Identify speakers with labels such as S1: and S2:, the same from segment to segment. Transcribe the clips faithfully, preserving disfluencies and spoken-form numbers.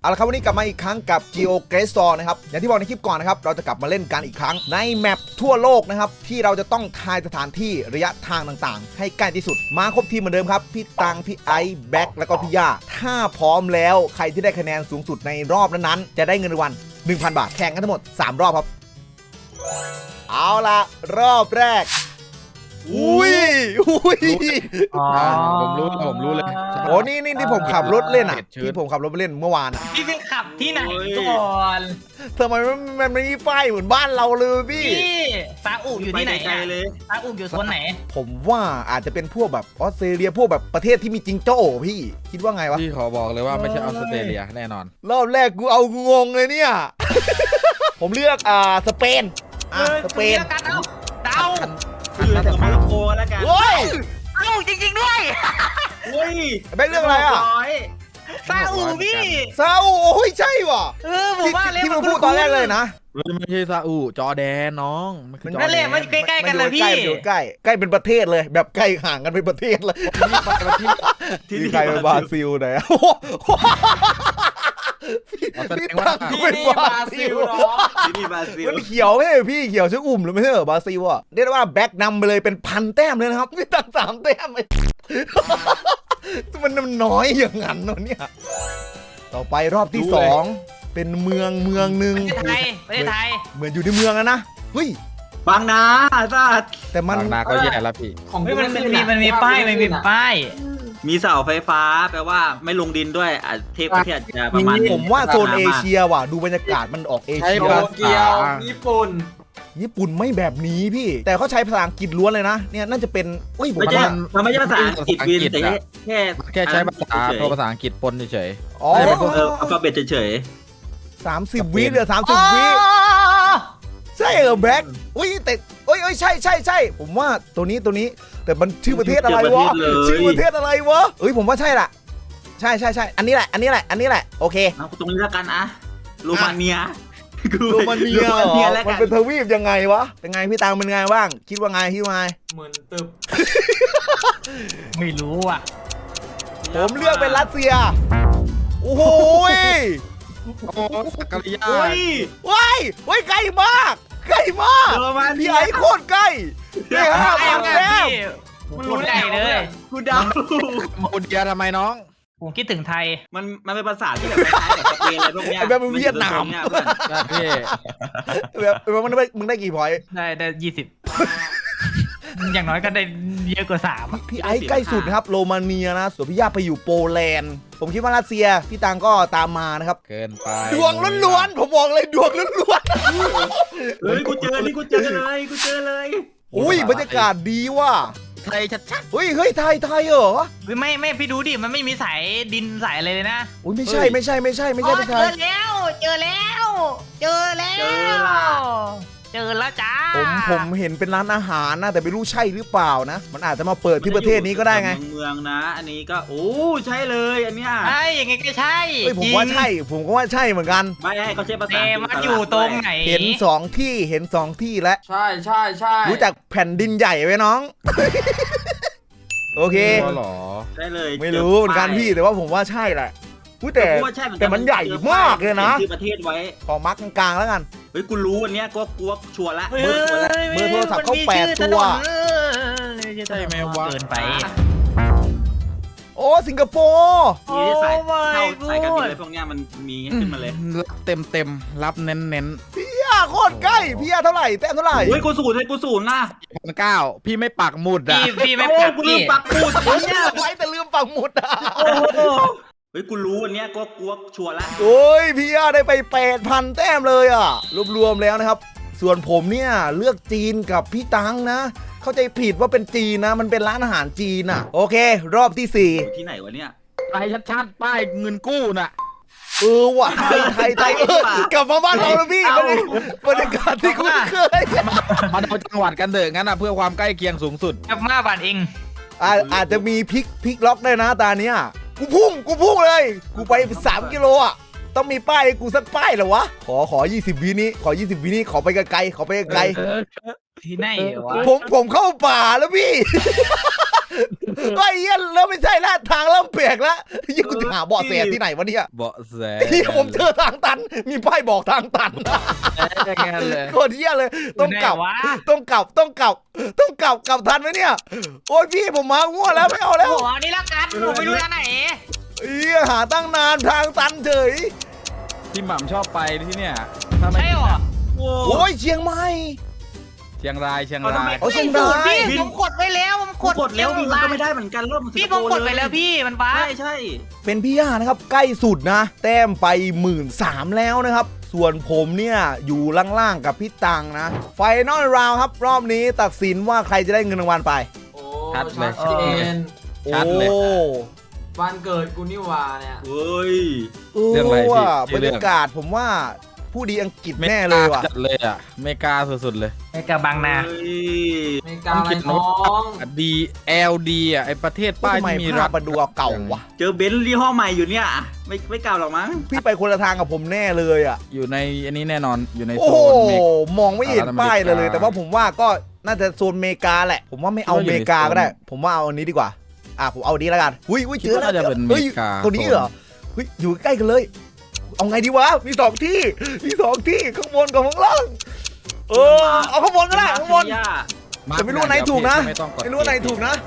S1: เอาละครับวันนี้กลับมาอีกครั้งกับ Geo g r a c e นะครับอย่างที่บอกในคลิปก่อนนะครับเราจะกลับมาเล่นกันอีกครั้งในแมปทั่วโลกนะครับที่เราจะต้องทายสถานที่ระยะทางต่างๆให้ใกล้ที่สุดมาครบทีมเหมือนเดิมครับพี่ตังพี่ไอซ์แบ็คแล้วก็พี่ย่าถ้าพร้อมแล้วใครที่ได้คะแนนสูงสุดในรอบนั้นๆจะได้เงินรางวัล หนึ่งพัน บาทแข่งกันทั้งหมดสามรอบครับเอาละรอบแรกอุ้ยอุ้ย
S2: ผมรู้ผมรู้เลย
S1: โอ้นี่นี่ที่ผมขับรถเล่นอ่ะที่ผมขับรถไปเล่นเมื่อวานอ่ะ
S3: พี่ไปขับที่ไหนก่อน
S1: ทำไมมันมันไม่มีป้ายเหมือนบ้านเราเลยพี่
S3: พี่ซาอุอยู่ที่ไหนเลยซาอุอยู่โซนไหน
S1: ผมว่าอาจจะเป็นพวกแบบออสเตรเลียพวกแบบประเทศที่มีจิงโจ้พี่คิดว่าไงวะ
S2: พี่ขอบอกเลยว่าไม่ใช่ออสเตรเลียแน่นอน
S1: รอบแรกกูเอางงเลยเนี่ย ผมเลือกอ่าสเปนอ่ะสเปน
S3: กันเอาเดา
S4: คือสมัยโคแล้วกัน
S1: เฮ้ย
S3: เอ้าจริงๆด้วย
S4: เฮ้ย
S1: แบงค์เรื่องอะไรอ่ะ
S3: ซาอุพี่
S1: ซาอุโอ้ยใช่ว่ะ
S3: เออผมว่าเลย
S1: ที่มึงพูดตอนแรกเลยนะ
S2: ไม่ใช่ซาอุจอร์แดนน้องมันคือจอร์แดน
S3: นั่นแหละมันใกล้ๆกันเลยพี่
S1: ใกล้ใกล้ใกล้เป็นประเทศเลยแบบใกล้ห่างกันเป็นประเทศเลยที่ใครเป็นบราซิลไหนพี่ตั้งกูเป็นบราซิล
S4: ที่นี่บราซิล
S1: มันเขียวไม่ใช่พี่เขียวชื่ออุ่มหรือไม่ใช่เหรอบราซิลอ่ะเรียกได้ว่าแบ็คนำไปเลยเป็นพันแต้มเลยนะครับพี่ตั้งสามแต้มมันน้อยอย่างนั้นเนาะเนี่ยต่อไปรอบที่สองเป็นเมืองเมืองหนึ่ง
S3: ประเทศไทยประเทศไทย
S1: เหมือนอยู่ในเมืองแล้วนะเฮ้ย
S4: บางนาสัตว์
S1: แต่มัน
S2: บางนาก็แย่แล้วพี่
S5: ของ
S3: เฮ้ยมันมีมันมีป้ายมันมีป้าย
S4: มีเสาไฟฟ้าแปลว่าไม่ลงดินด้วยอ่ะเทพประเทศจะประมาณ
S1: ผมว่าโซนเอเชียว่ะดูบรรยากาศมันออกเอ
S2: ใช่
S1: เชีย
S5: โตเกียวญี่ปุ่น
S1: ญี่ปุ่นไม่แบบนี้พี่แต่เขาใช้ภาษาอังกฤษล้วนเลยนะเนี่ยน่าจะเป็นเอ้ยผม
S4: ไม่ใช่
S1: ว่า
S4: มันไม่ใช่ภาษาอังกฤษวินแต่แค่
S2: แค่ใช้ภาษาตัวภาษาอังกฤษปนเฉย
S1: อ๋อ
S4: เอออัลฟาเบตเฉย
S1: สามสิบวิเหลือสามสิบวิใช่เหรอแบ็คอุ้ยแต่เอ้ยเอ้ยใช่ใช่ใช่ผมว่าตัวนี้ตัวนี้แต่มันชื่อประเทศอะไรวะชื่อประเทศอะไรวะเอ้ยผมว่าใช่ละใช่ใช่ใช่อันนี้แหละอันนี้แหละอันนี้แหละโอเค
S4: ๆเอาตรงนี้แล้วกันอะโรมาเนีย
S1: โรมาเนียเหรอ
S4: แล้ว
S1: มัน
S4: กัน
S1: เป็นทวีปยังไงวะเป็นไงพี่ตังเป็นไงบ้างคิดว่าไงคิดว่าไง
S5: เหมือนตึบ
S3: ไม่รู้อ่ะ
S1: ผมเลือกเป็นรัสเซียโอ้โหย
S2: ๆโอ้สักกะริยา
S4: เฮ้ย
S1: ว้ายว้ายไกลมากไกลมาก
S4: โรมาเนี
S1: พี่
S4: ย
S1: ไอ้โคตรใกล้พี่ห้า
S3: ไอ้
S1: พัน
S3: ไง
S1: แต้ม
S3: พี่มันรู้ใหญ่เลย
S4: กูเดา
S2: โมเดียทำไมน้อง
S3: ผมคิดถึงไทย
S4: มันมันเป็นภาษาที่แบบคล้ายๆกับสเปนอะไรพวกเนี้ย
S1: ไอ้แบบมันเวียดนาม
S4: เนี่ยเพื่อน
S2: นะพี่
S1: แบบแบบมึงได้มึงได้กี่พอยต์
S3: ได้ได้ยี่สิบอย่างน้อยก็ได้เยอะกว่าสาม
S1: พี่ไอ้ใกล้สุดนะครับโรมาเนียนะส่วนพี่ย่าไปอยู่โปแลนด์ผมคิดว่ารัสเซียพี่ตังก็ตามมานะครับ
S2: เกินไป
S1: ดวงล้วนๆผมบอกเลยดวงล้วน
S4: เฮ้ยกูเจอนี่กูเจอเลยกูเจอเลย
S1: ๆอุ้ยบรรยากาศดีว่ะ
S2: ไทยชัด
S1: เฮ้ยเฮ้ยไทยไทยเหรอ
S3: ไม่ไม่พี่ดูดิมันไม่มีสายดินสายอะไรเลยนะ
S1: อุ้ยไม่ใช่ไม่ใช่ไม่ใช่ไม่ใช่ไม่
S3: เจ
S1: ใช่
S3: อแล้ว เจอแล้ว เจอแล้ว
S4: เจอละ
S3: เจอแล้วจ้า
S1: ผมผมเห็นเป็นร้านอาหารนะแต่ไม่รู้ใช่หรือเปล่านะ มันอาจจะมาเปิดที่ประเทศนี้ก็ได้ไง
S4: เมืองนะ อันนี้ก็โอ้ใช่เลยอันเนี้ย
S3: ใช่ยังไงก็ใช่
S1: เฮ้ยผมว่าใช่ ผมก็ว่าใช่เหมือนกัน
S4: ไม่ให้เขาใช้ภาษา
S3: แต่มันอยู่ตรงไหน
S1: เห็นสองที่เห็นสองที่แล้ว
S5: ใช่ใช่ใช่
S1: รู้จักแผ่นดินใหญ่ไหมน้อง โอเค
S2: ๆก็หรอ
S4: ได้เลย
S1: ไม่รู้เหมือนกันพี่แต่ว่าผมว่าใช่แหละอุ๊ยแต่
S4: กูว่าใช่เหอนกั
S1: แต่มันใหญ่มากเลยนะ
S4: ชื่อประเทศไว้
S1: ขอมาร์กกลางๆแล้วกัน
S4: เฮ้ยกูรู้อันเนี้ยกูว่ากูว่าชัวร์ละ
S3: เฮ้ย
S4: เบอร์ชัวร์ละ
S1: เบอร์โทรศัพท์เขาแปดตัว
S2: ใช่ไหมวะ
S3: เกินไป
S1: โอ้สิงคโปร์
S4: มีที่ใส่
S3: Oh my
S4: เข้าใส่กันบิน
S3: God
S4: อะไรพวกเนี้ยมันมีขึ้นมาเลย
S2: รับเต็มเต็มๆรับเน้นเน้น
S1: พี่ย่าโคตรใกล้พี่ย่าเท่าไหร่แต้มเท่าไหร่
S4: เฮ้ยกูศูนย์เลยกูศูนย์นะ
S2: พันเก้าพี่ไม่ปักหมุดอ่ะ
S3: พี่พี่ไม่
S4: โอ้
S3: ปัก
S4: กูลื
S3: พี่
S4: มปักปูด
S1: ผม
S4: เนี่ย
S1: ไว้แต่ลืมปักหมุดอ่ะ
S4: โอ้โหเฮ้ยกูรู้อันเนี้ยกูว่ากูว่าชัวร์ละ
S1: โอ้ยพี่ย่าได้ไปแปดพันแต้มเลยอ่ะรวมๆแล้วนะครับ ส่วนผมเนี่ยเลือกจีนกับพี่ตังนะ เข้าใจผิดว่าเป็นจีนนะ มันเป็นร้านอาหารจีนอ่ะ โอเค รอบที่สี่
S4: อยู่ที่ไหนวะเนี่ย
S2: ไทยชัดๆป้ายเงินกู้น่ะ
S1: เออว่ะไทยไทยไทยเออกลับมาบ้านเราแล้วพี่บรรยากาศที่คุ้นเคย
S2: มาเอาจังหวัดกันเถอะงั้นนะเพื่อความใกล้เคียงสูงสุด
S3: กับมาบานเอง
S1: อาอาจจะมีพลิกพลิกล็อกได้นะตาเนี้ยกูพุ่งกูพุ่งเลย กูไปสามกิโลอ่ะต้องมีป้ายให้กูสักป้ายเหรอวะขอขอยี่สิบวินี้ขอยี่สิบวินี้ขอไปไกลๆขอไปไกล
S3: ที่ไหนวะ
S1: ๆผมผมเข้าป่าแล้วพี่ไอ้เหี้ยเริ่มไม่ใช่แล้วทางเริ่มเปลี่ยนแล้วยิ่งกูจะหาเบาะแสที่ไหนวะเนี่ย
S2: เบาะแส
S1: เหี้ยผมเจอทางตันมีป้ายบอกทางตัน
S2: แค่นั้นเลย
S1: โคตรเหี้ยเลยต้องกลับ
S3: อยู่ไหนวะ
S1: ต้องกลับต้องกลับต้องกลับกลับทันไหมเนี่ยโอ้ยพี่ผมมาง่วแล้วไม่เอาแล้ว
S3: โอ้โหนี่ละกันผมไม่รู้ทางไหน
S1: เหี้ยหาตั้งนานทางตันเฉย
S2: พี่หม่ำชอบไปที่เนี่ยถ้าไม่
S3: ใช่หรอ
S4: โอ้
S1: โอ้ยเชียงใหม่
S2: เชียงรายเชียงราย
S1: โอ้เชียงราย
S3: พี่ผมกดไว้แล้วผม
S4: ก
S3: ก
S4: ด
S3: ด
S4: กดแล้วพี่มันก็ไม่ได้เหมือนกันรอบมัน
S3: พี่ผมกดไปแล้วพี่มันบ้า
S4: ใช่ใช่
S1: เป็นพี่ย่านะครับใกล้สุดนะ แต้มไปหมื่นสามแล้วนะครับ ส่วนผมเนี่ยอยู่ล่างๆกับพี่ตังนะไฟนอลราวครับรอบนี้ตัดสินว่าใครจะได้เงินรางวัลไป
S5: โอ้
S2: ชัดเลย
S5: ชัดเจน
S2: ชัดเลย
S1: โอ้
S5: วันเกิดกูนี่หว่าเนี่ย
S4: เฮ้ย
S2: เรื่องอะไรพี่
S1: ว่า
S2: ชื่
S1: บร
S2: อเรื่
S1: ร
S2: อง
S1: ยากาศผมว่าผู้ดีอังกฤษแน่เลยว่ะ
S2: จัดเลยอ่ะอเมริกาสุดๆเลย
S3: ไอ้กระบังนา
S4: เฮ้ย
S5: ไม่กล้าอะไรน้อง
S2: ดี แอล ดี อ่ะไอประเทศป้าย
S1: ทำไม
S2: ที่มี
S1: ภา
S2: รั
S1: พ
S2: ฐ
S1: มันดูเก่าวะ
S4: เจอเบนซ์ยี่ห้อใหม่อยู่เนี่ยไม่ไม่กล่าวหรอกมั้ง
S1: พี่ไปคนละทางกับผมแน่เลยอ่ะ
S2: อยู่ในอันนี้แน่นอนอยู่ใน
S1: โอ้
S2: โซ
S1: โห
S2: นเมก
S1: มองไม่เห็นป้ายเลยเลย
S2: อเมริกา
S1: แต่ว่าผมว่าก็น่าจะโซนอเมริกาแหละ ผมว่าไม่เอาอเมริกาก็ได้ ผมว่าเอาอันนี้ดีกว่าอ่ะผมเอาอันนี้แล้วกันอุ้ยอุ้ย
S2: คิ
S1: เจ
S2: ด
S1: อ
S2: ว่า
S1: แล้ว
S2: น่าจะเป็นอเม
S1: เฮ้ย
S2: ริกา
S1: ตัวนี้เหรอเฮ้ยอยู่ใกล้กันเลย เอาไงดีวะมีสองที่มีสองที่ข้างบนกับข้างล่างเออเอาข้างบนก็ได้ข้างบน
S4: ย่า
S1: แต่ไม่รู้ว่าไหนถูกนะ
S2: ไม่ต้องกด
S1: ไม่รู้ว่าไหนถูกนะ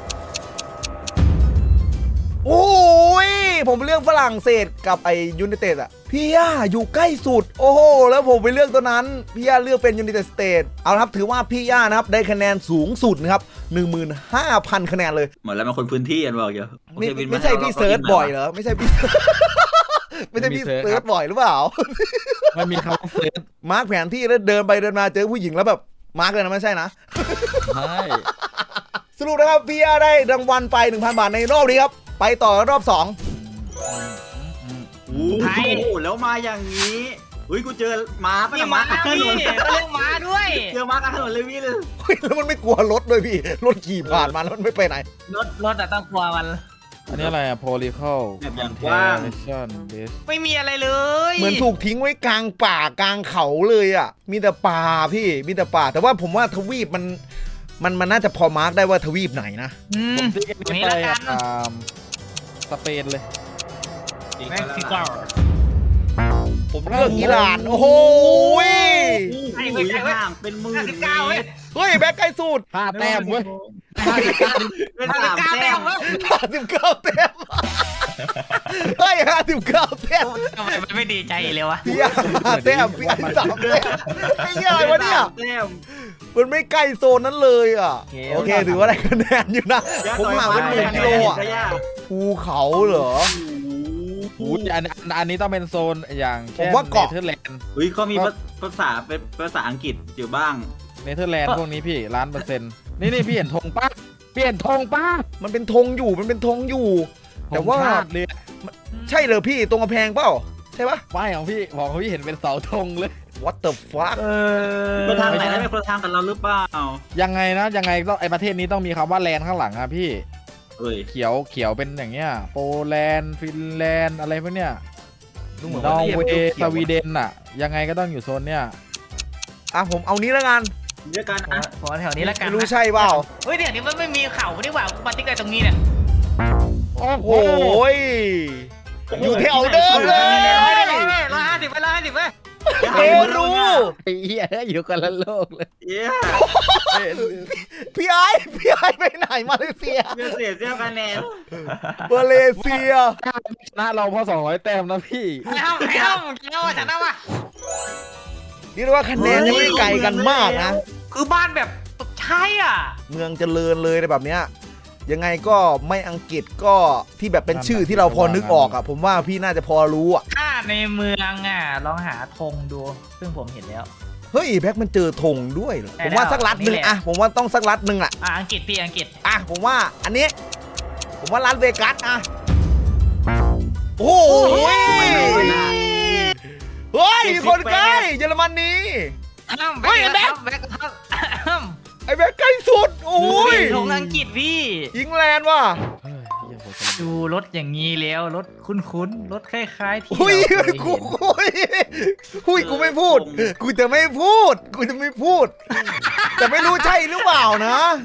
S1: โอ้ยผมเลือกฝรั่งเศสกับไอยูไนเต็ดอะพี่ย่าอยู่ใกล้สุด โอ้โหแล้วผมไปเลือกตัวนั้นพี่ย่าเลือกเป็นยูไนเต็ดสเตทเอาละครับถือว่าพี่ย่านะครับได้คะแนนสูงสุดนะครับ หนึ่งหมื่นห้าพัน คะแนนเลย
S4: เหมือนแล้วมันคนพื้นที่กันบอกอยู่
S1: ไม่
S4: โอเควิน
S1: ไม่ใช่พี่เซิร์ชบ่อยเหรอไม่ใช่พี่ ไม่ใช่พี่เซิร์ชบ่อยหรือเปล่า
S2: มันมีคำว่าเฟซ
S1: มาร์กแผนที่แล้วเดินไปเดินมาเจอผู้หญิงแล้วแบบมาร์กเลยนะไม่ใช่นะ
S2: ใช่
S1: สรุปนะครับพี่ย่าได้รางวัลไป หนึ่งพัน บาทในรอบนี้ครับไปต่อรอบสอง
S4: โอ้โหแล้วมาอย่างนี้อุ้ยกูเจอม้าปะ
S3: พี่
S4: เนี่ย
S3: มา
S4: ม้าข้างถ
S3: พี่
S4: นน
S3: เรื่องม้าด้วย
S4: เจอม้าข้างถนนเลยพี่เลย
S1: เฮ้ยแล้วมันไม่กลัวรถด้วยพี่ รถขี่ผ่านมาแล้วมันไม่ไปไหน
S3: รถรถอะต้องกลัวมัน
S2: อันนี้อะไรอ่ะ political
S4: แบบอย่างกว้าง
S2: comparison based
S3: ไม่มีอะไรเลย
S1: เหมือนถูกทิ้งไว้กลางป่ากลางเขาเลยอ่ะ มีแต่ป่าพี่ มีแต่ป่า แต่ว่าผมว่าทวีปมัน มันมันน่าจะพอมาร์กได้ว่าทวีปไหนนะ
S3: อืม
S2: ผมติ๊กอัน
S3: อัน
S2: นี้
S3: นี้
S2: ไป
S3: ละกัน
S2: อ่าสเปนเลย
S3: เม็กซิโก
S1: ผมเลือกอิหร่าน โอ้โหย
S3: ใช่
S4: โอ้
S3: เว้ย
S4: ย
S3: ใช่เว้ย
S4: ห่างเป็นหมื่น
S3: ห้าสิบ
S4: เม
S3: เก้าเว้ย
S4: ตร
S1: เฮ้ยแบ็คใกล้สุด
S2: ห้าแต้มเว้ย
S4: เป็น
S3: ห้าสิ
S4: สา
S3: บ
S4: ม
S3: เก้า
S4: แต้
S3: แต้
S4: ม
S3: มเว้ย
S1: ห้าสิบเก้าแต้มเฮ้ยห้าสิบเก้าแต้ม
S3: ทำไมมันไม่ดีใจเลยวะ
S1: พี่อาห้าแต้มพี่อาสามแต้มไอ้เหี้ยอะไรวะเนี่ย
S4: แต้ม
S1: มันไม่ใกล้โซนนั้นเลยอ่ะ โอเคถือว่าได้คะแนนอยู่นะ ผมห่างเป็นหมื่นกิโลอ่ะ ภูเขาเหรอ
S2: อู้ยอันอันอันนี้ต้องเป็นโซนอย่าง
S1: ผ
S2: เช่
S1: ม
S2: น
S1: ว่าเกาะ
S2: เนเธอร์แลนด์
S4: อุ้ยเขามีภาษาเป็นภาษาอังกฤษอยู่บ้าง
S2: เนเธอร์แลนด์พวกนี้พี่ล้านเปอร์เซ็นต์นี่นี่พี่เห็นธงป้าเปลี่ยนธงป้า
S1: มันเป็นธงอยู่ มันเป็นธงอยู่ แต่ว่า
S2: ธงชติเลย
S1: ใช่เหรอพี่ตรงกระแพงเปล่า ใช่ปะ
S2: ป้ายของพี่บอกของพี่เห็นเป็นเสาธงเลย
S1: What the fuck
S3: เออ
S4: คนทางไหนได้เป็นคนทางกับเราหรือเปล่า
S2: ยังไงนะยังไงต้องไอประเทศนี้ต้องมีคำว่าแลนด์ข้างหลังอะพี่
S4: เอ้ย
S2: เขียวเขียวเป็นอย่างเงี้ยโปแลนด์ฟินแลนด์อะไรพวกเนี้ย
S1: ดูเหมือน
S2: นอ
S1: ว่า
S2: ร์
S1: เรียก
S2: เว
S1: เขี
S2: ย์
S1: ยว
S2: สวีเดนอะยังไงก็ต้องอยู่โซนเนี้ย
S1: อ่ะผมเอานี้แล้วกัน
S4: เรียกกันอ่ะ
S3: ขอแถวนี้ละกัน
S1: ไม่รู้ใช่เปล่า
S3: เฮ้ยเดี๋ยวนี้มันไม่มีเข่านี่หว่าปาติ๊กอะไรตรงนี้เนี่ย
S1: โอ้โหยอยู่แถวเดิมเลย
S3: ร้อยห้าสิบไปร้อยห้าสิบไป
S1: เปรู
S2: ไอ้เหี้ยอยู่กันละโลกเลย
S4: เย้
S1: พี่ไอ้พี่ไอ้ไปไหนมาเลเซีย
S4: เสียเสียคะแนน
S1: มาเลเซีย
S2: ชนะเราเพราะสองร้อยแต้มนะพี่
S3: เอ้าเอ้าเอ้าฉันเอาว่ะ
S1: นี่เรียกว่าคะแนนยังไม่ไกลกันมากนะ
S3: คือบ้านแบบใช่อ่ะ
S1: เมืองเจริญเลยในแบบเนี้ยยังไงก็ไม่อังกฤษก็ที่แบบเป็นชื่อที่เราพอนึกออกอ่ะ ผมว่าพี่น่าจะพอรู้อ่ะ
S3: ถ้าในเมืองอ่ะลองหาธงดู ซึ่งผมเห็นแล้ว
S1: เฮ้ยแบ็คมันเจอธงด้วยเหรอ
S3: ได้
S1: ผมว่าสักรัฐหนึ่ง
S3: นี่แหละ
S1: อ่ะผมว่าต้องสักรัฐหนึ่งอ่ะ
S3: อ่ะอังกฤษพี่อังกฤษ
S1: อ่ะผมว่าอันนี้ ผมว่ารัฐเวกัสอ่ะโอ้โห
S4: ไม่รู้เวลา
S1: เฮ้ยมีคนใกล้เยอรมนี
S3: อ้าว
S1: เฮ้ยแบ็ค
S3: แบ็คครับ
S1: ไอ้แบ็คใกล้สุดโอ้ย
S3: ธงอังกฤษพี่
S1: อิงแลนด์ว่ะ
S2: เฮ้ยเหี้ยโหดจัง
S3: ดูรถอย่างนี้แล้วรถคุ้นๆรถคล้ายๆที่
S1: หุย
S3: เราเคย
S1: กู
S3: เห็น
S1: หุยหุยกูไม่พูด กูจะไม่พูด กูจะไม่พูด แต่ไม่รู้ใช่หรือเปล่านะ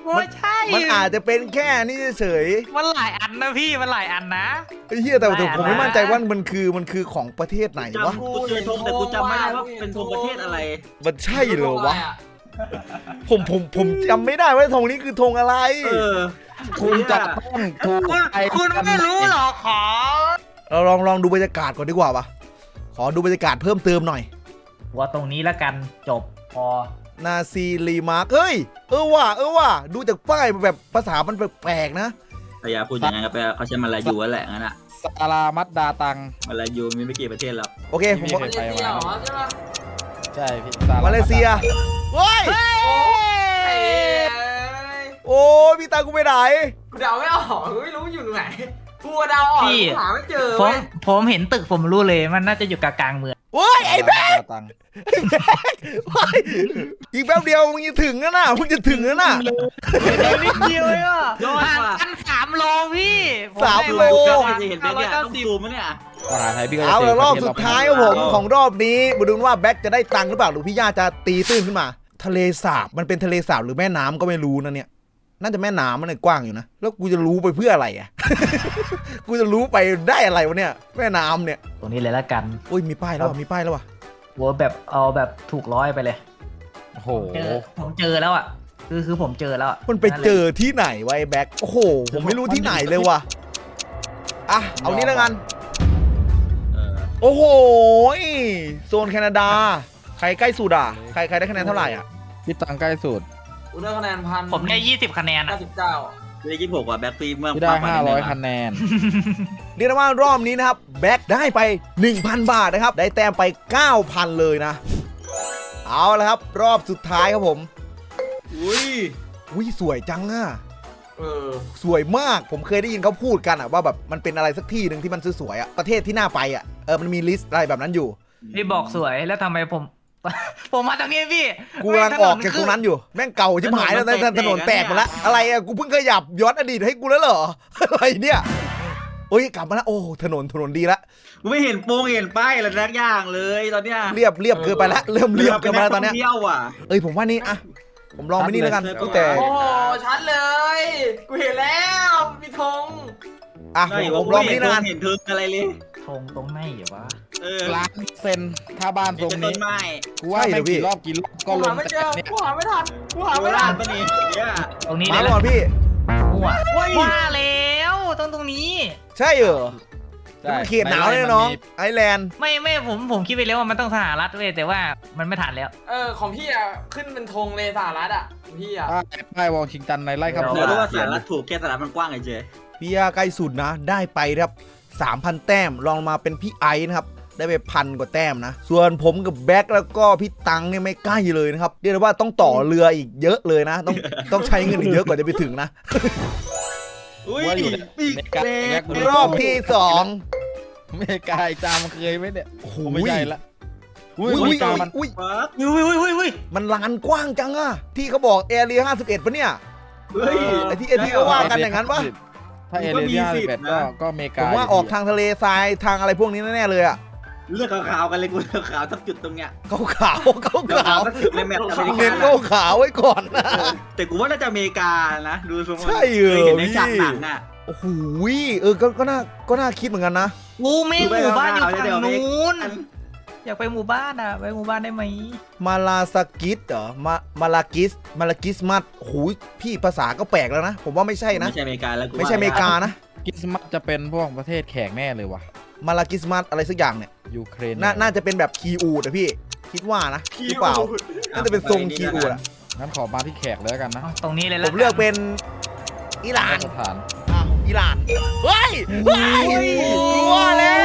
S3: ไม่ใช่
S1: มันอาจจะเป็นแค่นี่เฉย
S3: มันหลายอันนะพี่มันหลายอันนะ
S1: ไอ้เหี้ยแต่แต่ผม
S3: ไม่
S1: ไม่
S3: อ่ะ
S1: มั่นใจว่ามันคือมันคือของประเทศไหนวะ
S4: จำกูเจอธงแต่กูจำไม่ได้ว่าเป็นธงประเทศอะไร
S1: มันใช่เหรอวะผมผมผมจำไม่ได้ว่าธงนี้คือธงอะไร
S4: เออ
S2: คุณจะต้องถูก
S3: คุณ
S2: ไอ้
S3: คุณไม่รู้หรอขอ
S1: เราลองลองดูบรรยากาศก่อนดีกว่าปะขอดูบรรยากาศเพิ่มเติมหน่อย
S3: ว่าตรงนี้แล้วกันจบพอ
S1: นาซีรีมาร์กเฮ้ยเออว่ะเออว่ะดูจากป้ายแบบภาษามันแปลกๆนะ
S4: แต่อย่าพูดอย่างนั้นก็แปลว่าเขาใช้มาลายูนั่นแหละงั้นอะ
S2: ซารามัดดาตัง
S4: มาลายูมีไม่กี่ประเทศหรอก
S1: โอเคผมบอก
S5: มาเลเซียเหรอใช่ปะ
S2: ใช่พี่ซารา
S1: มาเลเซียเฮ้ย
S5: เอ้ย
S1: โอ้ยพี่ตากูไปไหน
S5: กูเดาไม่ออกกูไม่รู้อยู่ตรงไหนกูเดาออกกูหาไม่เจอ
S3: ผม
S5: เว้ย
S3: ผมเห็นตึกผมรู้เลยมันน่าจะอยู่กลางๆเมือง
S1: เฮ้ยไอ้แบ๊ก
S2: ดาตัง
S1: เฮ้ยอีกแป๊บเดียวมึงจะถึงแล้วนะมึงจะถึงแล้วนะ
S3: นิดเดียวเองอ่ะ
S4: ยอด
S3: ห่าง
S4: ว่ะ
S3: กันสามโลพี่
S1: สามโล
S4: ก็จะเห็นเป็นเนี่ยต้องซูมมั้ยเนี่ย
S2: มหาไทยพี่ก็จะ
S1: เอา
S2: เจ
S1: ละ
S2: อ
S1: รอบ
S2: ประเทศ
S1: สุด
S2: เ
S1: ท้ายครับผมของรอบนี้มาดูว่าแบ็คจะได้ตังค์หรือเปล่าหรือพี่ย่าจะตีตื้นขึ้นมา ทะเลสาบมันเป็นทะเลสาบหรือแม่น้ำก็ไม่รู้นะเนี่ยน่าจะแม่น้ำมันเลยกว้างอยู่นะแล้วกูจะรู้ไปเพื่ออะไรอ่ะ กูจะรู้ไปได้อะไรวะเนี่ยแม่น้ำเนี่ย
S3: ตรงนี้เลยแล้วกัน
S1: อุ้ยมีป้ายแล้วว่ะมีป้ายแล้วว่ะ
S3: โหแบบเอาแบบถูกร้อยไปเลย
S2: โอ้โห
S3: เจอผมเจอแล้วอ่ะคือคือผมเจอแล้วอะ
S1: มันไปเจอที่ไหนวะไอ้แบ็คโอ้โหผมไม่รู้ที่ไหนเลยว่ะอ่ะเอานี้แล้วกัน
S4: เออ
S1: โอ้โหโซนแคนาดาใครใกล้สุดอ่ะใครใครได้คะแนนเท่าไหร่อ่ะ
S2: พี่ตังใกล้สุด
S5: กูได้คะแนนพัน
S3: ผมได้ยี่สิบคะแนน
S5: เก้า
S3: อะ
S5: สิบเก้า
S4: ได้ยี่สิบหกว่ะแบ็คฟีเมื่อ
S2: พี่ได้
S4: มกกว่
S2: ห้าร้อย
S4: นิดนึง
S2: คะแนน
S1: เรียกได้ว่ารอบนี้นะครับแบ็คได้ไป หนึ่งพัน บาทนะครับได้แต้มไป เก้าพัน เลยนะเอาละครับรอบสุดท้ายครับผม
S4: อุ้ย
S1: อุ้ยสวยจังอ่ะ
S5: เออ
S1: สวยมากผมเคยได้ยินเขาพูดกันอ่ะว่าแบบมันเป็นอะไรสักที่หนึ่งที่มันสวยๆอ่ะประเทศที่น่าไปอ่ะเออมันมีลิสต์อะไรแบบนั้นอยู่
S3: พี่บอกสวยแล้วทำไมผม ผมมาตรงนี้พี่
S1: กูกำลังออกจากตรงนั้นอยู่แม่งเก่าชิบหายแล้วนะถนนแตกหมดแล้วอะไรอ่ะกูเพิ่งขยับย้อนอดีตให้กูแล้วเหรอ อะไรเนี่ยโอ้ยกลับมาแล้วโอ้ถนนถนนดีละ
S4: กูไม่เห็นโปงเห็นป้ายอะไรสักอย่างเลยตอนเนี้ย
S1: เรียบเรียบเกินไปแล้วเริ่มเรียบเกินไปแล้วตอนเนี้ย
S4: เที่ยวอ่ะ
S1: เอ้ยผมว่านี่อะผมลองไปนี่แล้วกัน
S4: ชัดเลย
S1: ตั้งแต่
S5: โอ้โหชัดเลย กูเห็นแล้วมีธง
S1: อ่ะ
S4: ใช่
S1: ผมลองไปนี่แล้วกัน
S4: เห็นทึงอะไรเลย
S3: ธงตรงไหนเหรอวะ
S4: เออ
S2: ล้านเซนถ้าบ้านทรง
S4: เป็นต้
S2: นี้
S4: นไม้
S2: กูว่าไม่กี่รอบกี่รอบก็
S5: กู
S2: ล
S5: หาง ไม่เจอ
S2: เนี่ย
S5: กูหาไม่ทันกูหา
S4: โค
S5: ไม่
S4: รา
S5: ทั
S4: ช
S5: น
S4: ปะนี่เนี่ย
S3: ตรงนี้
S1: มา
S3: เลย
S1: ก่อนพี่
S3: มั่ว
S4: เฮ้ย
S3: ว่าแล้วต้องตรงนี้
S1: ใช่เหรอ
S2: ใช่
S1: มันเขตหนาวเลยน้องไอแลนด์
S3: ไม่ไม่ผมผมคิดไปแล้วว่ามันต้องสหรัฐเว้ยแต่ว่ามันไม่ทันแล้ว
S5: เออของพี่อ่ะขึ้นเป็นธงเลยสหรัฐอ่ะของพี่อ่ะ
S2: ป้ายป้ายวอชิงตันในไร่คำ
S4: เดี๋
S2: พู
S4: ยว
S2: ด
S4: รู้ว่าสารถูกแค่สารมันกว้างไงเจ
S1: พี่ยาใกล้สุดนะ ได้ไปครับ สามพัน แต้มลองมาเป็นพี่ไอซ์นะครับได้ไปพันกว่าแต้มนะส่วนผมกับแบ็คแล้วก็พี่ตังเนี่ยไม่ใกล้เลยนะครับเรียกได้ว่าต้องต่อเรืออีกเยอะเลยนะ ต้องต้องใช้เงินอีกเยอะกว่าจะไปถึงนะ
S4: อุ้ย
S2: ว่าอยู่ใน
S4: ปีก
S2: ในกา
S4: เล็
S2: ร
S4: ก
S1: รอบที่สอง
S2: ไม่กายจามเคยไหมเนี่ย
S1: โอ้โห
S2: ไม่ใช่ละอุ้ย
S1: อุ้ย
S2: อุ้
S1: อุ้
S2: ย
S1: ย
S2: จามัน
S1: อุ้ย
S4: ฟัก
S3: อุ้ยอุ้ยอุ้ยอุ้ย
S1: มันลานกว้างจังอะที่เขาบอกแอเรียห้าสิบเอ็ดปะเนี่ย
S4: เฮ้ย
S1: ไอ้ที่ไอ้ที่เขาว่ากันอย่างนั้นปะ
S2: ถ้าเอเรียที่ห้าสิบเอ็ดก็ก็อเมริ
S1: ผ
S2: กาม
S1: ว่าออกทางทะเลทรายทางอะไรพวกนี้แน่ๆเลยอะ
S4: เลือกขาวๆกันเลยกูเลือกขาวสักจุดตรงเนี้ย
S1: ขาวขาวขาว
S4: เลือก
S1: ขา
S4: ขาว วสักจุดในแมปอเมริ
S1: เน้น
S4: กา
S1: ขาวขาวไว้ก่อนนะ
S4: เออแต่กูว่าน่าจะอเมริกานะดูทรง
S1: ใช่เหรอ
S4: เคยเห็นใน
S1: พี่
S4: ฉากหนังอ่ะ
S1: โอ้โหเออก็ก็น่าก็น่าคิดเหมือนกันนะ
S3: กูไม่หมู่บ้านอยู่ฝั่ง
S4: เดี๋ยว
S3: นู้นอยากไปหมู่บ้านอ่ะไปหมู่บ้านได้ไหม
S1: มาลาสกิสเหรอมามาลากิสมาลากิสมัดโอ้โหพี่ภาษาก็แปลกแล้วนะ ผมว่าไม่ใช่นะ
S4: ไม่ใช่อเมริกาแล้วกู
S1: ไม่ใช่อเมริกานะ
S2: คริสต์มาสจะเป็นพวกประเทศแขกแน่เลยว่ะ
S1: มาลากิสมัดอะไรสักอย่างเนี่ย
S2: ยูเครน
S1: นาน่าจะเป็นแบบคีอูดอะพี่ คิดว่านะหรือเปล่าน่าจะเป็นทรงคีอูดอะ
S2: งั้นขอมาที่แขกเลยแล้วกันนะ
S3: เอาตรงนี้เลย
S1: ผ
S3: แล้ว
S1: มเลือกเป็นอิหร่าน
S2: สถาน
S1: อ้าวอิหร่านเฮ้ยเฮ้ยกลัวแล้ว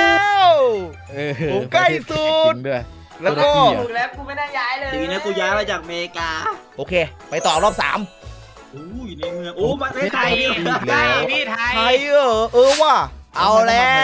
S2: เออ
S1: ผมใกล้สุด
S2: จริงด้วย
S1: แล้วก็
S5: ถูกแล้วกูไม่ได้ย้ายเลย
S4: ทีนี้กูย้ายมาจากอเมริกา
S1: โอเค ไปต่อรอบสาม
S4: โอ้ยในเมืองโอ้ประเทศไทย
S3: ไทยพี่ไทย
S1: ไทยเออเออว่ะเอาแล้ว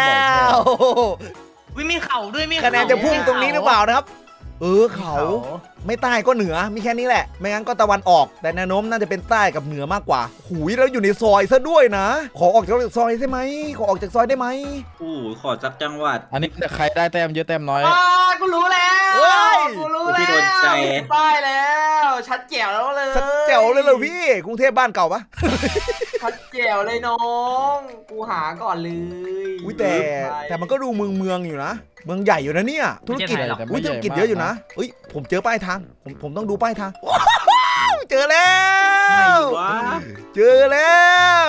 S3: วิมีเข่าด้วยมี
S1: คะแนนจะพุ่งตรงนี้หรือเปล่านะครับ เออเขาไม่ใต้ก็เหนือมีแค่นี้แหละ ไม่งั้นก็ตะวันออก แต่แนวโน้มน่าจะเป็นใต้กับเหนือมากกว่าหูยแล้วอยู่ในซอยซะด้วยนะ ขอออกจากซอยได้ไหมขอออกจากซอยได้ไหม
S4: โอ้ยขอจักจังหวัด
S2: อันนี้ใครได้แต้มเยอะแต้มน้อย
S5: อ่ากูรู้แล้ว
S1: เฮ้ย
S5: กูรู้
S4: ที่
S5: แล้ว
S4: โดนใจ
S5: ป้ายแล้วชัดแจ๋วแล้วเลย
S1: ชัดแจ๋วเลยเหรอพี่กรุงเทพบ้านเก่าปะ
S5: ชัดแจ๋วเลยน้อง กูหาก่อนเลย
S1: อุ้ยแต่แต่มันก็ดูเมืองเมืองอยู่นะ เมืองใหญ่อยู่นะเนี่ยธุรกิจ
S2: ไม่ใช่แต่ไม่
S1: อุ้ย
S2: ใหญ่
S1: ธุรกิจ
S2: มาก
S1: เยอะอยู่นะเอ้ยผมเจอป้ายทางผมผมต้องดูป้ายทางว้าวเจอแล้
S4: ไหน
S1: ว
S4: วะ
S1: เจอแล้ว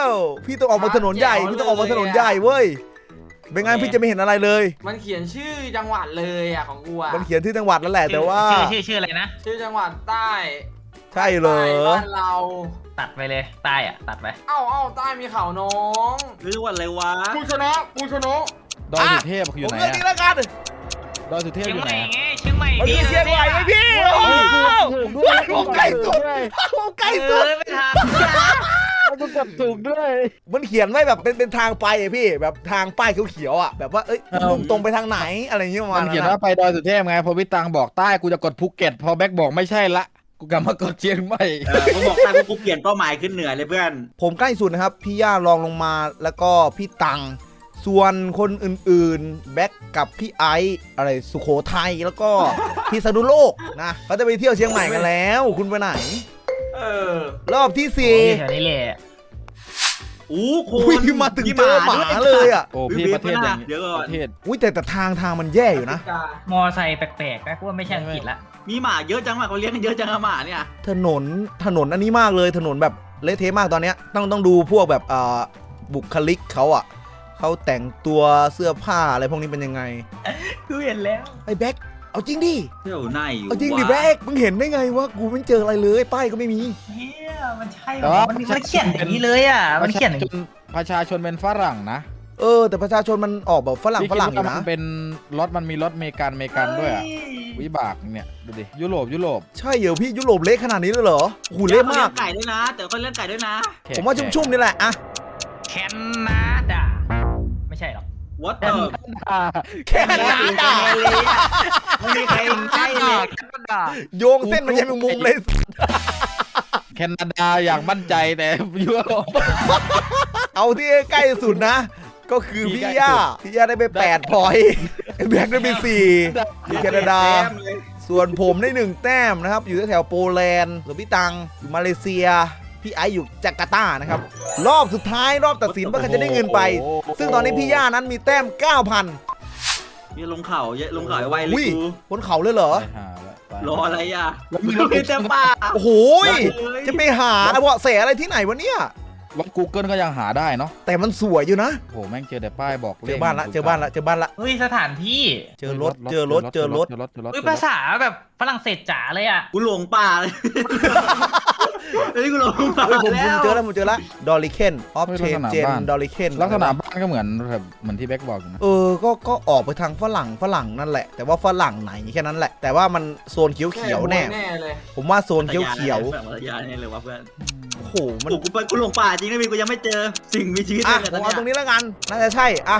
S1: พี่ต้องออกมาถนนใหญ่พี่ต้องออกมาถนนใหญ่เว้ยไม่งั้นพี่จะไม่เห็นอะไรเลย
S5: มันเขียนชื่อจังหวัดเลยอ่ะของกูอ่ะ
S1: มันเขียนที่จังหวัดแล้วแหละแต่ว่า
S3: ชื่อชื่อชื่ออะไรนะ
S5: ชื่อจังหวัดใต้
S1: ใช่เหรอ
S5: ใต้บ้านเรา
S3: ตัดไปเลยใต้อะตัดไป
S5: เอ้าเอ้าใต้มีเขาน้อง
S4: หรือว่าอะไรวะ
S5: กูชนะกูชนะ
S2: ดอยสุเทพอยู่
S1: ผม
S2: ไหน
S1: เลือกนี้
S2: อะ
S1: แล้วกัน
S2: ดอยสุเทพ
S3: เชีย
S2: อง ยู่
S3: ให
S2: ไหน
S3: ม่
S2: อะ
S3: ไงเชียงใหม่
S1: มันคือเชียงใหม่ไหมพี่โอ้โหผมใกล้สุดผมใกล้
S3: เอ
S1: สุด
S3: อไม่ทัน
S2: มันกดถูกด้วย
S1: มันเขียนไว้แบบเป็นเป็นทางไปอะพี่แบบทางป้ายเขียวๆอ่ะแบบว่าเอ้ยมุ่งตรงไปทางไหนอะไรอย่างเงี้ยประมา
S2: มั
S1: ณ
S2: น
S1: นั้
S2: เขียน
S1: น
S2: ว่า
S1: นะ
S2: ไปดอยสุเทพไงพอพี่ตังบอกใต้กูจะกดภูเก็ตพอแบ็กบอกไม่ใช่ละกูกลับมากดเชียงใหม่
S4: เออกูบอกตากูเปลี่ยนเป้าหมายขึ้นเหนือเลยเพื่อน
S1: ผมใกล้สุดนะครับพี่ย่ารองลงมาแล้วก็พี่ตังส่วนคนอื่นๆแบ็กกับพี่ไอซ์อะไรสุโขทัยแล้วก็พิษณุโลกนะเขาจะไปเที่ยวเชียงใหม่กันแล้วคุณไปไหน
S5: เออ
S1: รอบที่
S3: โอ้
S1: สี่
S3: ยแถวนี้แหละ
S4: อู้โค
S1: อุ้ย
S4: น
S1: มาถึงเจอหมาเลยอ่ะ
S2: โอ้พี่ประเทศอย่าง
S4: เดี๋ยวก่
S2: ป
S4: อน
S2: ระเทศ
S1: อุ้ยแต่แต่ทางทางมันแย่อยู่นะ
S3: มอไซค์แปลกๆนะกูว่าไม่ใช่อังกฤษละ
S4: มีหมาเยอะจังหมาเขาเลี้ยงกันเยอะจังอะหมาเนี่ย
S1: ถนนถนนอันนี้มากเลยถนนแบบเละเทะมากตอนเนี้ยต้องต้องดูพวกแบบอ่าบุคลิกเขาอ่ะเขาแต่งตัวเสื้อผ้าอะไรพวกนี้เป็นยังไง
S3: กูเห็นแล้ว
S1: ไอ้แบ็คเอาจริงดิ
S4: เที่ยวไหนอยู่
S1: เอาจริงดิ
S4: วะ
S1: แบ็คมึงเห็นได้ไงวะกูไม่เจออะไรเลยป้ายก็ไม่มี
S3: เฮียมันใช่เหรอมันมันเขียนอย่างนี้เลยอ่ะมันเขียนอย่าง
S2: จนประชาชนเป็นฝรั่งนะ
S1: เออแต่ประชาชนมันออกแบบฝรั่ง
S2: พี่
S1: ฝ
S2: คิด
S1: รั่งอ
S2: ว่า
S1: ยู่นะ
S2: มันเป็นรถมันมีรถเมกันเมกันด้วยอะวิบากเนี่ยดูดิยุโรปยุโรป
S1: ใช่เหรอพี่ยุโรปเละขนาดนี้เลยเหรอโอ้โหูเละมาก
S4: เลี้ยงไก่ด้วยนะ แต่เขาเลี้ยงไก่ด้วยนะ
S2: แขก
S1: ผมว่าชุ่มๆนี่แหละอะ
S3: แคนนาดาไม่ใช่หรอก
S4: วัดเตอร์
S1: แค่นั้น
S4: ไม่
S1: ด่า
S4: มีใครใกล้เลย
S3: แคนนาดา
S1: โยงเส้นมันยังเป็นมุมเลย
S2: แคนาดาอย่างมั่นใจแต่ยุโรป
S1: เอาที่ใกล้สุดนะ ก็คือ
S2: ที่
S1: พี่
S2: ใกล้
S1: ย่า
S2: สุด
S1: พี่ย่าได้ไปแปดพอยต์ไอ้แบ็คได้ไปสี่ที่แคนาดา
S4: แต้มเลย
S1: ส่วนผมได้หนึ่งแต้มนะครับ อยู่แถวๆโปแลนด์ส่วนพี่ตังอยู่มาเลเซีย พี่ไอซ์อยู่จาการ์ตานะครับ รอบสุดท้ายรอบตัดสินว่าใครจะได้เงินไป ซึ่งตอนนี้พี่ย่านั้นมีแต้ม เก้าพัน
S4: มีลงเขาเยอะลงเขาไวเล
S1: อุ้
S4: ย
S1: ย
S4: กู
S1: บนเขาเลยเหรอ
S2: ไปหาละไป
S4: รออะไรอ่ะ
S2: แล้วมี
S4: มี
S2: ร
S4: ร
S2: ถ
S4: ถเต็มป่า
S1: โอ้โหยจะไปหาเบาะแสอะไรที่ไหนวะเนี่ย
S2: รถ Google ก็ยังหาได้เนาะ
S1: แต่มันสวยอยู่นะ
S2: โหแม่งเจอแต่ป้ายบอก
S1: เจอบ้านละเจอบ้านละเจอบ้านละ
S3: เฮ้ยสถานที่
S1: เจอรถเจอรถเจอรถ
S2: เจอรถเจอรถ
S3: เฮ้ยภาษาแบบฝรั่งเศสจ๋าเลยอ่ะ
S4: กูหลงป่าเลยเฮ้ยกูหลงป่า
S1: เฮ้ยผม
S4: แล้
S1: ผม
S4: ว
S1: เจอแล้วผมเจอแล้วดอลลิเคนออฟเชนเจนดอลลิเคน
S2: ลักษณะบ้านก็เหมือนแบบเหมือนที่แบ็กบอกอยู่นะ
S1: เออก็ก็ออกไปทางฝรั่งฝรั่งนั่นแหละ แต่ว่าฝรั่งไหนแค่นั้นแหละ แต่ว่ามันโซนเขียวเขียวๆแน่
S5: แน่เลย
S1: ผมว่าโซนเขียวเขียว
S4: แบบวัทยาเนี่ยเลยวะเพื่อน
S1: ๆโอ้โหมัน
S4: โอ้กูไปกูหลงป่าจริงนะพี่กูยังไม่เจอสิ่งมีชีวิต
S1: อ่ะ
S4: เลย
S1: ผม
S4: ต
S1: เอา
S4: อน
S1: ตรง
S4: เนี้ย
S1: นี้แล้วกันน่าจะใช่อ่ะ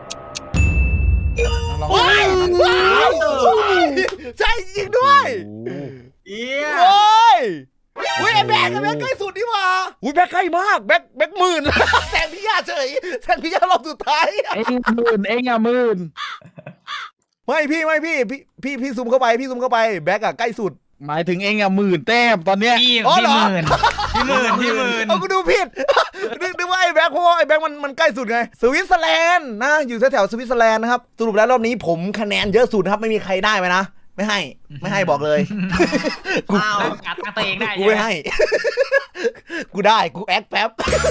S2: ลอง
S1: ว้ายว้ายใช่จริงด้วย
S4: เอี้ย
S1: โอ้ยอุ้ยไอ้แบกไอ้แบกใกล้สุดนี่หว่าอุ้ยแบกใกล้มากแบกแบกหมื่น แซงพี่ยาเฉยแซงพี่ยารอบสุดท้าย
S2: เอ็งหมื่นเอ็งอะหมื่น
S1: ไม่พี่ไม่พี่พี่พี่พี่ซูมเข้าไปพี่ซูมเข้าไปแบกอะใกล้สุด
S2: หมายถึงเอ็งอะหมื่นแต้มตอนเนี้ย
S3: พี่
S1: อ๋อ
S3: พี่
S1: เหรอ
S3: หมื่นพี่หมื่นพี่หมื่น
S1: เอากูดูผิด นึกนึกว่าไอ้แบงค์เพราะว่าไอ้แบงค์มันมันใกล้สุดไงสวิตเซอร์แลนด์นะอยู่แถวๆสวิตเซอร์แลนด์นะครับสรุปแล้วรอบนี้ผมคะแนนเยอะสุดนะครับไม่มีใครได้ไหมนะไม่ให้ไม่ให้บอกเลย กู
S4: อ้าว
S3: ตั้งการตั้งตัวเองได้
S1: กู
S3: ใช่
S1: ไม่
S3: ไหม
S1: ให้ กูได้กูแอคแป๊บ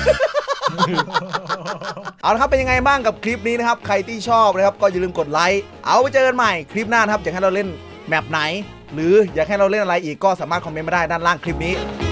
S1: เอาละครับเป็นยังไงบ้างกับคลิปนี้นะครับใครที่ชอบนะครับก็อย่าลืมกดไลค์เอาไว้เจอกันใหม่คลิปหน้านะครับอยากให้เราเล่นแมปไหน หรืออยากให้เราเล่นอะไรอีกก็สามารถคอมเมนต์มาได้ด้านล่างคลิปนี้